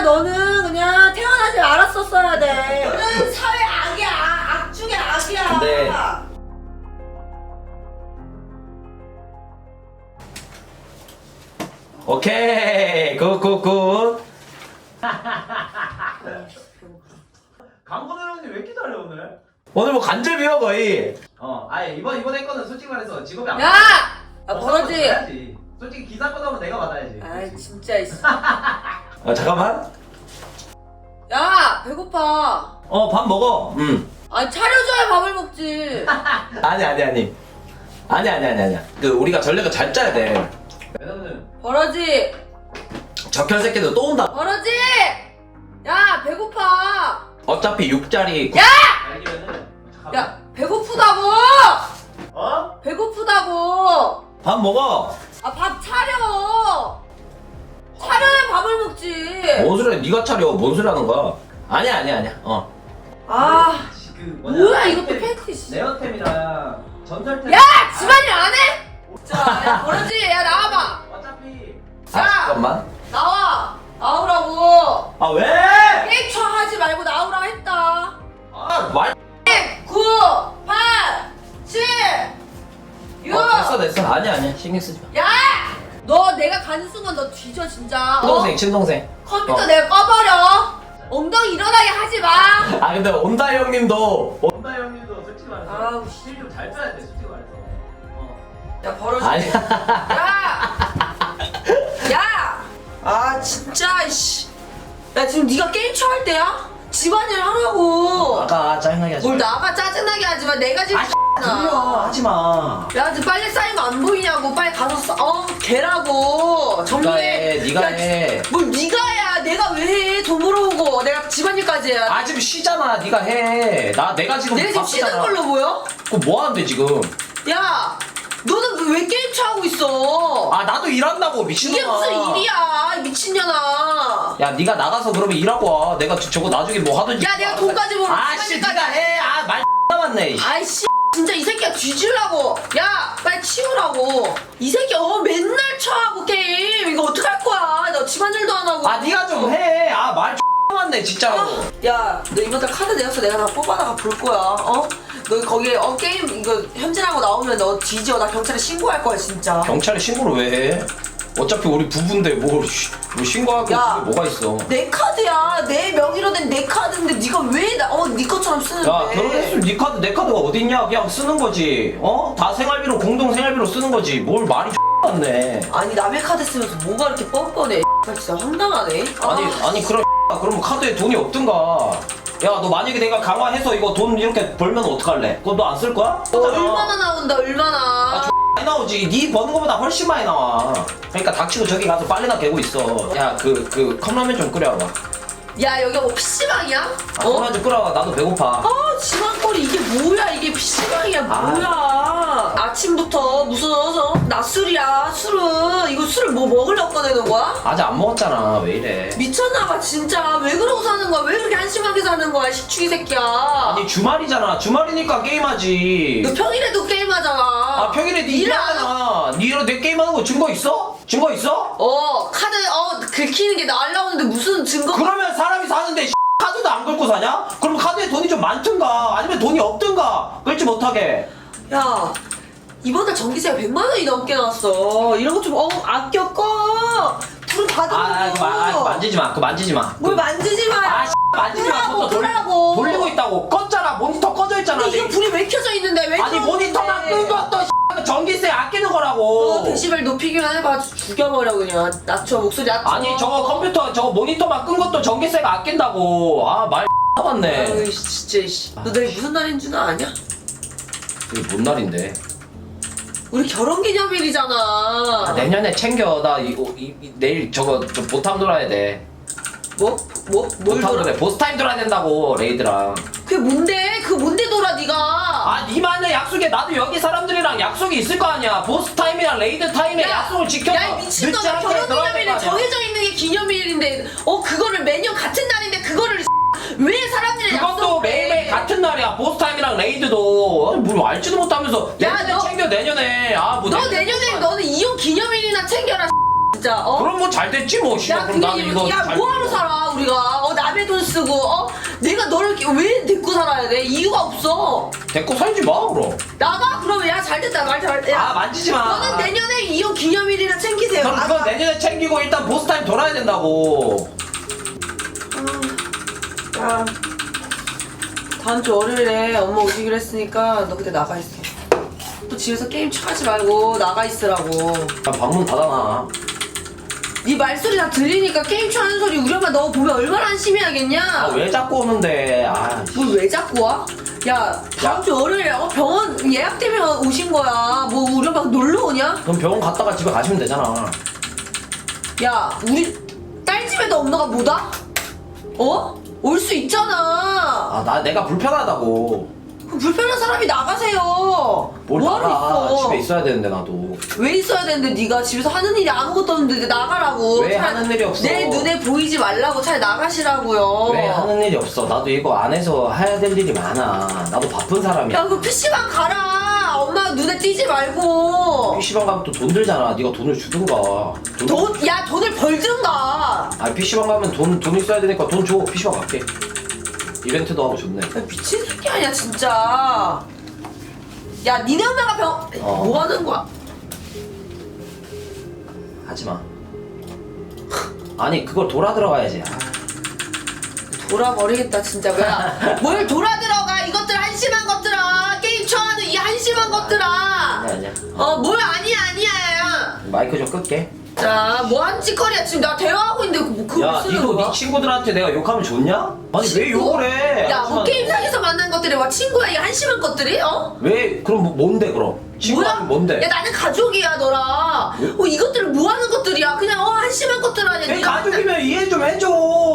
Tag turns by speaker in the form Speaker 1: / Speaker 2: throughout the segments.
Speaker 1: 너는 그냥 태어나지 말았었어야 돼. 너는 사회 악이야. 악 중에 악이야.
Speaker 2: 근데 오케이 굿굿굿.
Speaker 3: 강건우 형님 왜 이렇게 잘해 오늘?
Speaker 2: 오늘 뭐 간절비야 거의.
Speaker 3: 아예 이번에 거는 솔직히 말해서 직업이 안
Speaker 1: 야! 아 버러지.
Speaker 3: 해야지. 솔직히 기사 거나면 내가 받아야지.
Speaker 1: 아이 진짜 이씨.
Speaker 2: 잠깐만.
Speaker 1: 야 배고파.
Speaker 2: 밥 먹어.
Speaker 1: 아니 차려줘야 밥을 먹지.
Speaker 2: 아니. 아니야. 그 우리가 전략을 잘 짜야 돼.
Speaker 3: 왜냐면
Speaker 1: 버러지.
Speaker 2: 적혈 새끼들 또 온다.
Speaker 1: 버러지. 야 배고파.
Speaker 2: 어차피 6짜리.
Speaker 1: 야!
Speaker 3: 알기면은
Speaker 1: 야 배고프다고. 배고프다고.
Speaker 2: 밥 먹어.
Speaker 1: 아 밥 차려. 차려야 밥을 먹지.
Speaker 2: 뭔 소리야? 네가 차려. 뭔 소리 하는 거야? 아니야.
Speaker 1: 아
Speaker 3: 지금
Speaker 1: 뭐야 이것도 팬티 씨.
Speaker 3: 네어템이랑 전설템.
Speaker 1: 야 집안일 안 해? 자, 야 버러지. 야 나와봐.
Speaker 3: 어차피
Speaker 1: 야!
Speaker 2: 잠깐만.
Speaker 1: 나와. 나오라고.
Speaker 2: 아 왜?
Speaker 1: 게임 쳐 하지 말고 나오라고 했다.
Speaker 2: 말.
Speaker 1: 9, 8, 7, 6.
Speaker 2: 됐어. 아니야. 신경 쓰지 마.
Speaker 1: 야! 너 내가 가는 순간 너 뒤져 진짜.
Speaker 2: 친동생.
Speaker 1: 컴퓨터 내가 꺼버려. 엉덩이 일어나게 하지 마.
Speaker 2: 아 근데 온다 형님도.
Speaker 3: 원다 형님도 솔직히 말해서
Speaker 1: 아우,
Speaker 3: 실좀잘 짜야 돼 솔직히 말해서.
Speaker 1: 야 버러지.
Speaker 2: 아니야.
Speaker 1: 야! 야! 아 진짜 씨. 야 지금 네가 게임 쳐 할 때야? 집안일 하라고.
Speaker 2: 아까 짜증나게 하지
Speaker 1: 뭘
Speaker 2: 마.
Speaker 1: 나가 짜증나게 하지 마. 내가 지금
Speaker 2: 하지 마.
Speaker 1: 야, 지금 빨리 쌓이면 안 보이냐고. 빨리 가서 개라고. 정리해.
Speaker 2: 네가 해.
Speaker 1: 뭘 네가 해야. 내가 왜 해. 돈 벌어오고. 내가 집안일까지 해야.
Speaker 2: 아 지금 쉬잖아. 네가 해. 내가 지금
Speaker 1: 내가 지금 쉬는
Speaker 2: 바쁘잖아.
Speaker 1: 걸로 보여?
Speaker 2: 그거 뭐 하는데 지금?
Speaker 1: 야, 너는 왜 게임 차하고 있어?
Speaker 2: 아 나도 일한다고 미친놈아.
Speaker 1: 이게 무슨 일이야, 이 미친년아.
Speaker 2: 야 네가 나가서 그러면 일하고 와. 내가 저거 나중에 뭐 하든지.
Speaker 1: 야, 내가 돈까지 벌어.
Speaker 2: 아씨 네가 해. 말 남았네.
Speaker 1: 아이씨, 진짜 이 새끼가 뒤질라고. 야, 빨리 치우라고. 이 새끼 맨날 쳐하고 게임. 이거 어떡할 거야? 너 집안일도 안 하고.
Speaker 2: 네가 좀 해. 말 남았네 진짜로.
Speaker 1: 야, 너 이번 달 카드 내었어. 내가 다 뽑아다가 볼 거야. 어? 너 거기에 게임 이거 현질하고 나오면 너 뒤져. 나 경찰에 신고할 거야 진짜.
Speaker 2: 경찰에 신고를 왜 해? 어차피 우리 부부인데 뭐 신고할 게
Speaker 1: 야.
Speaker 2: 뭐가 있어?
Speaker 1: 내 카드야. 내 명의로 된 내 카드인데 네가 왜 네 것처럼 쓰는데?
Speaker 2: 야 결혼했으면 네 카드 내 카드가 어딨냐? 그냥 쓰는 거지. 다 생활비로 공동 생활비로 쓰는 거지. 뭘 말이 같네.
Speaker 1: 아니 남의 카드 쓰면서 뭐가 이렇게 뻔뻔해? 진짜 황당하네.
Speaker 2: 아니 그럼 카드에 돈이 없든가. 야 너 만약에 내가 강화해서 이거 돈 이렇게 벌면 어떡할래? 그거 너 안 쓸 거야?
Speaker 1: 얼마나 나온다 얼마나.
Speaker 2: 많이 나오지. 네 버는 거보다 훨씬 많이 나와. 그러니까 닥치고 저기 가서 빨래나 개고 있어. 야 그 컵라면 좀 끓여와봐.
Speaker 1: 야 여기가 뭐 PC방이야?
Speaker 2: 컵라면 좀 끓여와. 나도 배고파.
Speaker 1: 지방거리 이게 뭐야? 이게 PC방이야 뭐야? 아침부터 무슨 낮술이야 술은. 이거 술을 뭐 먹으려고 꺼내는 거야?
Speaker 2: 아직 안 먹었잖아. 왜 이래?
Speaker 1: 미쳤나봐 진짜. 왜 그러고 사는 거야? 왜 그렇게 한심하게 사는 거야 식충이 새끼야.
Speaker 2: 아니 주말이잖아. 주말이니까 게임하지.
Speaker 1: 너 평일에도 게임하잖아.
Speaker 2: 평일에 네
Speaker 1: 일을 안
Speaker 2: 일하잖아. 네 일로 내 게임하는 거 증거 있어? 증거 있어?
Speaker 1: 카드 긁히는 게 날라오는데 무슨 증거?
Speaker 2: 그러면 사람이 사는데 카드도 안 긁고 사냐? 그럼 카드에 돈이 좀 많든가 아니면 돈이 없든가 긁지 못하게.
Speaker 1: 야 이번 달 전기세가 100만 원이 넘게 나왔어. 이런 거 좀 아껴 꺼. 불은 받으라고.
Speaker 2: 그거 만지지 마. 그거 만지지 마.
Speaker 1: 뭘 만지지 마.
Speaker 2: 만지지 마.
Speaker 1: 끄라고,
Speaker 2: 그것도
Speaker 1: 끄라고.
Speaker 2: 돌리고 있다고. 껐잖아. 모니터 꺼져 있잖아.
Speaker 1: 근데 이거 불이 왜 켜져 있는데 왜?
Speaker 2: 아니 모니터만 끈 것도 전기세 아끼는 거라고.
Speaker 1: 너 데시벨 높이기만 해봐. 죽여버려 그냥. 낮춰 목소리 낮춰.
Speaker 2: 아니 저거 컴퓨터 저거 모니터만 끈 것도 전기세가 아낀다고. 말 남았네.
Speaker 1: 아유 진짜 씨. 너 내일 무슨 날인 줄 아냐?
Speaker 2: 이게 뭔 날인데?
Speaker 1: 우리 결혼기념일이잖아.
Speaker 2: 내년에 챙겨. 나 내일 저거 보탐 돌아야 돼.
Speaker 1: 뭘
Speaker 2: 보탐
Speaker 1: 돌아?
Speaker 2: 돌아야 돼. 보스타임 돌아야 된다고 레이드랑.
Speaker 1: 그게 뭔데? 그 뭔데 돌아 네가?
Speaker 2: 니만의 약속에 나도 여기 사람들이랑 약속이 있을 거 아니야. 보스타임이랑 레이드 타임에 약속을 지켜서
Speaker 1: 야, 이 미친놈아. 결혼기념일에 정해져 있는 게 기념일인데, 그거를 매년 같은 날인데, 그거를 왜 사람들이
Speaker 2: 그것도 매일매일 같은 날이야. 보스타임이랑 레이드도. 뭘 알지도 못하면서.
Speaker 1: 야,
Speaker 2: 내년에
Speaker 1: 너-
Speaker 2: 챙겨, 내년에.
Speaker 1: 너 내년에 너는 이혼 기념일이나 챙겨라. 진짜
Speaker 2: 그럼 뭐 잘 됐지 뭐.
Speaker 1: 야
Speaker 2: 그럼 나는 이거
Speaker 1: 야
Speaker 2: 잘
Speaker 1: 뭐하러
Speaker 2: 됐어.
Speaker 1: 살아 우리가 남의 돈 쓰고 내가 너를 왜 데리고 살아야 돼? 이유가 없어.
Speaker 2: 데리고 살지 마 그럼.
Speaker 1: 나가 그러면 야 잘됐다 말 잘했다.
Speaker 2: 아 만지지 마.
Speaker 1: 너는 내년에 이혼 기념일이나 챙기세요.
Speaker 2: 그럼 그거 내년에 챙기고 일단 보스 타임 돌아야 된다고.
Speaker 1: 야 다음 주 월요일에 엄마 오시기로 했으니까 너 그때 나가 있어. 또 집에서 게임 하지 말고 나가 있으라고.
Speaker 2: 야 방문 닫아놔.
Speaker 1: 네 말소리 다 들리니까 게임 하는 소리 우리 엄마 너 보면 얼마나 한심해하겠냐?
Speaker 2: 아 왜 자꾸 오는데. 아.
Speaker 1: 뭘 왜 자꾸 와? 야 다음 주 월요일에 병원 예약 때문에 오신 거야. 뭐 우리 엄마 놀러 오냐?
Speaker 2: 그럼 병원 갔다가 집에 가시면 되잖아.
Speaker 1: 야 우리 딸 집에도 엄마가 못 와? 올 수 있잖아.
Speaker 2: 아 내가 불편하다고.
Speaker 1: 그럼 불편한 사람이 나가세요.
Speaker 2: 뭘
Speaker 1: 뭐하러
Speaker 2: 나가.
Speaker 1: 있어?
Speaker 2: 집에 있어야 되는데 나도.
Speaker 1: 왜 있어야 되는데 네가 집에서 하는 일이 아무것도 없는데 나가라고.
Speaker 2: 왜
Speaker 1: 차라리
Speaker 2: 하는 일이 없어?
Speaker 1: 내 눈에 보이지 말라고 차라리 나가시라고요.
Speaker 2: 왜 하는 일이 없어? 나도 이거 안에서 해야 될 일이 많아. 나도 바쁜 사람이야.
Speaker 1: 야 그 PC방 가라. 엄마 눈에 띄지 말고.
Speaker 2: PC방 가면 또 돈 들잖아. 네가 돈을 주든가.
Speaker 1: 돈을 벌든가.
Speaker 2: 아 PC방 가면 돈 있어야 되니까 돈 줘. PC방 갈게. 이벤트도 하고 좋네.
Speaker 1: 야, 미친 새끼 아니야 진짜. 야 니네 엄마가 뭐 하는 거야?
Speaker 2: 하지마. 아니 그걸 돌아 들어가야지. 아.
Speaker 1: 돌아버리겠다 진짜. 뭐야 뭘 돌아 들어가 이것들 한심한 것들아. 게임 좋아하는 이 한심한 것들아.
Speaker 2: 아니야.
Speaker 1: 뭘 아니야.
Speaker 2: 마이크 좀 끌게.
Speaker 1: 자, 뭐 하는 짓거리야? 지금 나 대화하고 있는데 그거
Speaker 2: 야,
Speaker 1: 쓰는
Speaker 2: 니도
Speaker 1: 거야?
Speaker 2: 네 친구들한테 내가 욕하면 좋냐? 아니 왜 욕을 해?
Speaker 1: 야, 뭐 게임상에서 만난 것들이 와 친구야 이 한심한 것들이?
Speaker 2: 왜? 그럼 뭔데 그럼? 친구하면 뭔데?
Speaker 1: 야, 나는 가족이야 너랑. 이것들은 뭐 하는 것들이야? 그냥 한심한 것들 아니야?
Speaker 2: 내
Speaker 1: 네가
Speaker 2: 가족이면 이해 좀 해줘.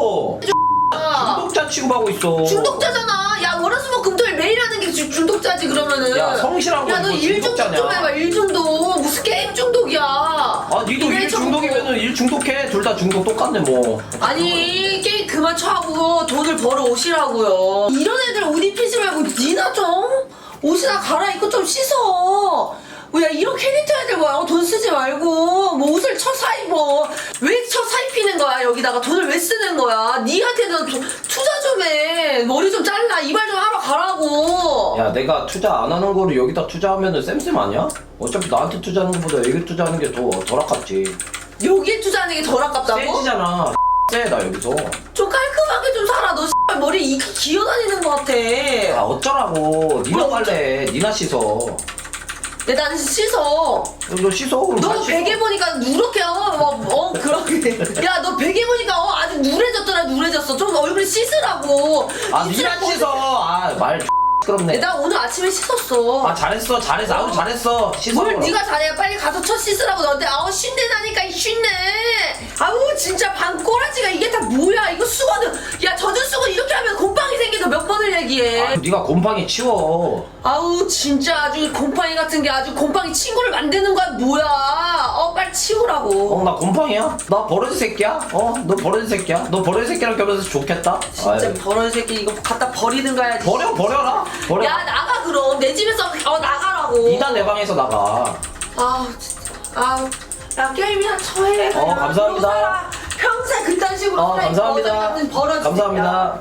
Speaker 1: 맨날
Speaker 2: 중독자 취급하고 있어.
Speaker 1: 중독자잖아. 야, 월화수목금토일 매일 하는 게 중독자지 그러면은.
Speaker 2: 야, 성실한
Speaker 1: 야,
Speaker 2: 거
Speaker 1: 너 일 중독
Speaker 2: 중독자냐?
Speaker 1: 좀 해봐. 일 중독. 무슨 게임 중독이야?
Speaker 2: 아, 니도
Speaker 1: 이래
Speaker 2: 일
Speaker 1: 저거.
Speaker 2: 중독이면은 일 중독해. 둘 다 중독 똑같네 뭐.
Speaker 1: 아니 게임 그만 쳐하고 돈을 벌어 오시라고요. 이런 애들 옷 입히지 말고 니나 좀 옷이나 갈아입고 좀 씻어. 야 이런 캐릭터 애들 뭐야? 돈 쓰지 말고 뭐 옷을 사 입어. 왜 사 입히는 거야? 여기다가 돈을 왜 쓰는 거야? 니한테는 투자 좀 해. 머리 좀 잘라. 이발 좀 하러 가라고.
Speaker 2: 야, 내가 투자 안 하는 거를 여기다 투자하면은 쌤쌤 아니야? 어차피 나한테 투자하는 것보다 여기 투자하는 게 덜 아깝지.
Speaker 1: 여기에 투자하는 게 덜 아깝다고?
Speaker 2: 세지잖아. 쎄나 여기서.
Speaker 1: 좀 깔끔하게 좀 살아. 너 머리 기어다니는 것 같아.
Speaker 2: 아 어쩌라고. 니나
Speaker 1: 뭘
Speaker 2: 빨래. 니나 씻어.
Speaker 1: 야, 난 씻어.
Speaker 2: 너 씻어 그럼.
Speaker 1: 너
Speaker 2: 다 씻어.
Speaker 1: 베개 보니까 누렇게 그렇게. 야, 너 베개 보니까 아주 누래졌어. 좀 얼굴 씻으라고.
Speaker 2: 아
Speaker 1: 입술에
Speaker 2: 니나 씻어. 아말 시끄럽네.
Speaker 1: 나 오늘 아침에 씻었어.
Speaker 2: 아 잘했어. 아우 잘했어. 씻어.
Speaker 1: 뭘
Speaker 2: 그럼.
Speaker 1: 네가 잘해. 빨리 가서 첫 씻으라고 너한테. 쉰내 나니까 쉰내. 아우 진짜 방꼬라지가 이게 다 뭐야? 이거 수건을 야 젖은 수건 이렇게 하면 곰팡이 생기서 몇 번을 얘기해.
Speaker 2: 아, 네가 곰팡이 치워.
Speaker 1: 아우 진짜 아주 곰팡이 같은 게 아주 곰팡이 친구를 만드는 거야 뭐야? 빨리 치우라고.
Speaker 2: 나 곰팡이야? 나 버러지 새끼야? 너 버러지 새끼야? 너 버러지 새끼랑 껴면서 좋겠다?
Speaker 1: 진짜
Speaker 2: 아유.
Speaker 1: 버러지 새끼 이거 갖다 버리든가 해야지.
Speaker 2: 버려라. 버려.
Speaker 1: 야 나가 그럼 내 집에서 나가라고.
Speaker 2: 이단 내 방에서 나가.
Speaker 1: 아우 진짜 아우 야 게임이나 쳐해. 그냥.
Speaker 2: 감사합니다.
Speaker 1: 그러고 살아. 평생 그딴 식으로 살아.
Speaker 2: 감사합니다.
Speaker 1: 버러지
Speaker 2: 감사합니다.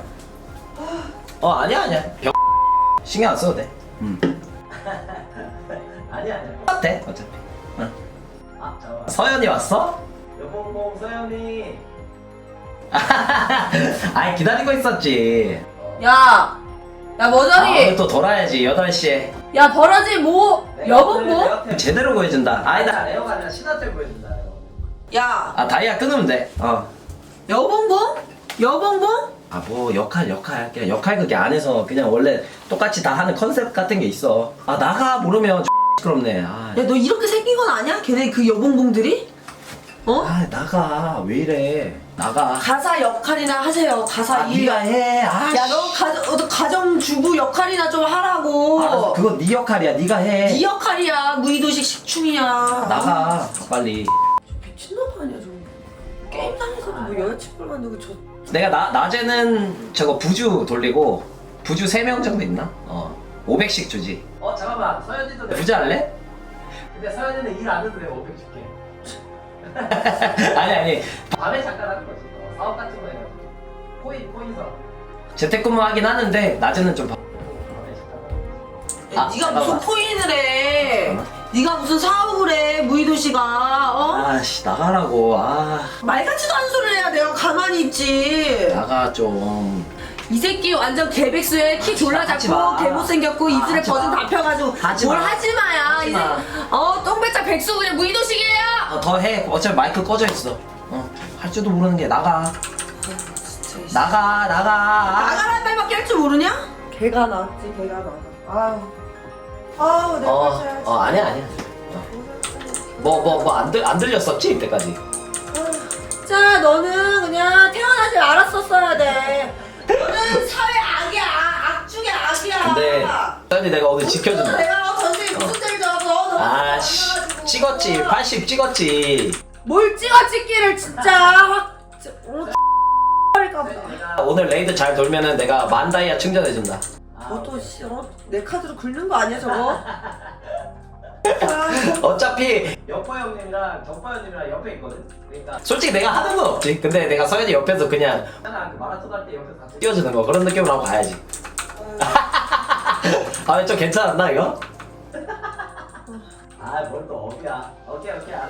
Speaker 2: 아니야. 신경 안 써도 돼. 아니야. 똑같아 어차피. 응. 잠깐만. 서연이 왔어? 여봉봉 서연이. 아이 기다리고 있었지.
Speaker 1: 야 머저리.
Speaker 2: 또 돌아야지 8시에.
Speaker 1: 야 버러지 뭐 여봉봉?
Speaker 2: 제대로 보여준다. 아니다. 레오가 아니라 신한테 보여준다.
Speaker 1: 야
Speaker 2: 다이아 끊으면 돼.
Speaker 1: 여봉봉?
Speaker 2: 뭐 역할 그냥 역할극이 안에서 그냥 원래 똑같이 다 하는 컨셉 같은 게 있어. 나가 모르면 시끄럽네.
Speaker 1: 야 너 이렇게 생긴 건 아니야? 걔네 그 여봉봉들이?
Speaker 2: 나가 왜 이래. 나가.
Speaker 1: 가사 역할이나 하세요. 가사 일.
Speaker 2: 네가 해.
Speaker 1: 야 너 가정주부 역할이나 좀 하라고.
Speaker 2: 알았어. 그거 네 역할이야. 네가 해.
Speaker 1: 네 역할이야. 무의도식 식충이야.
Speaker 2: 나가 빨리.
Speaker 1: 미친놈 아니야 저거. 게임상에서도 뭐 여자친구를 만들고 저.
Speaker 2: 내가 낮에는 저거 부주 돌리고 부주 3명 정도 있나? 500씩 주지. 잠깐만 서현이도 부주 할래? 근데 서현이는 일 안 해도 내가 500 줄게. 아니 밤에 잠깐 하는 거지. 사업 같은 거 해가지고 코인 사업. 재택근무 하긴 하는데 낮에는 좀
Speaker 1: 야, 네가 무슨 코인을 해? 네가 무슨 사업을 해? 무이도시가
Speaker 2: 아씨 나가라고.
Speaker 1: 말 같지도 않은 소리를 해야 내가 가만히 있지.
Speaker 2: 나가 좀.
Speaker 1: 이 새끼 완전 개백수에 키 졸라
Speaker 2: 하지
Speaker 1: 작고
Speaker 2: 마.
Speaker 1: 개못생겼고 입술에
Speaker 2: 하지
Speaker 1: 버진
Speaker 2: 마.
Speaker 1: 다 펴가지고
Speaker 2: 하지
Speaker 1: 뭘
Speaker 2: 마.
Speaker 1: 하지마야.
Speaker 2: 하지 마.
Speaker 1: 똥배짝 백수 그냥 무이도식이에요.
Speaker 2: 더 해. 어차피 마이크 꺼져 있어. 할 줄도 모르는 게 나가. 나가.
Speaker 1: 나가란 말밖에 할 줄 모르냐? 개가 나왔지 개가 나가. 아우 내가 펼쳐야지.
Speaker 2: 아니야. 안 들렸었지 이때까지.
Speaker 1: 자 너는 그냥 태어나지 말았었어야 돼. 너는 사회 악이야. 악 중에 악이야.
Speaker 2: 근데 딸이 내가 오늘 지켜준다.
Speaker 1: 내가 전생에 무슨 죄를 져서 너
Speaker 2: 아씨 찍었지. 80 찍었지.
Speaker 1: 뭘 찍어 찍기를 진짜 확 버릴까 보다.
Speaker 2: 오늘 레이드 잘 돌면은 내가 만다이아 충전해준다.
Speaker 1: 너도 내 카드로 긁는 거 아니야 저거?
Speaker 2: 어차피 여포 형님이랑 정파 형님이랑 옆에 있거든. 그러니까 솔직히 내가 하는 건 없지. 근데 내가 서현이 옆에서 그냥 그 마라톤 할 때 옆에서 같이 뛰어주는 거 그런 느낌으로 하고 가야지. 좀 괜찮았나 이거? 뭘 또 업이야. 오케이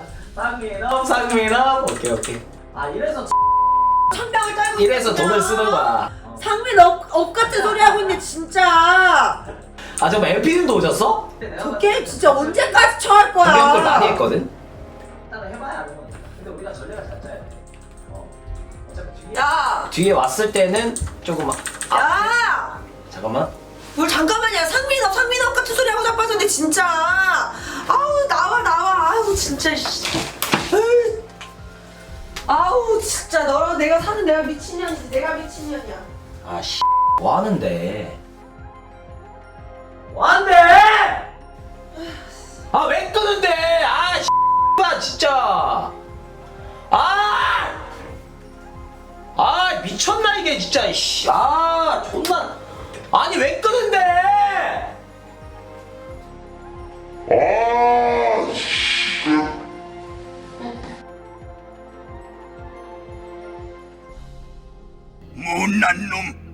Speaker 2: 상민업 오케이. 이래서
Speaker 1: 천병을 떨고
Speaker 2: 이래서
Speaker 1: 있구나.
Speaker 2: 돈을 쓰는 거야.
Speaker 1: 상민 업 같은 소리 하고 있네 진짜.
Speaker 2: 정말 LP님도 오셨어?
Speaker 1: 저 게임 진짜 언제까지 쳐할 거야?
Speaker 2: 공격들 많이 했거든. 일단은 해봐야 하는 거지. 근데 우리가 전략을 잘 짜야 돼. 어차피
Speaker 1: 야!
Speaker 2: 뒤에 왔을 때는 조금
Speaker 1: 야!
Speaker 2: 잠깐만.
Speaker 1: 뭘 잠깐만요. 상민업 같은 소리 하고 자빠졌네 진짜. 아우 나와. 아우 진짜. 에이. 아우 진짜 너랑 내가 사는 내가 미친년이지. 내가 미친년이야.
Speaker 2: 뭐 하는데? 왜 끄는데? 진짜. 미쳤나 이게 진짜. 존나. 아니 왜 끄는데?
Speaker 4: 못난 놈.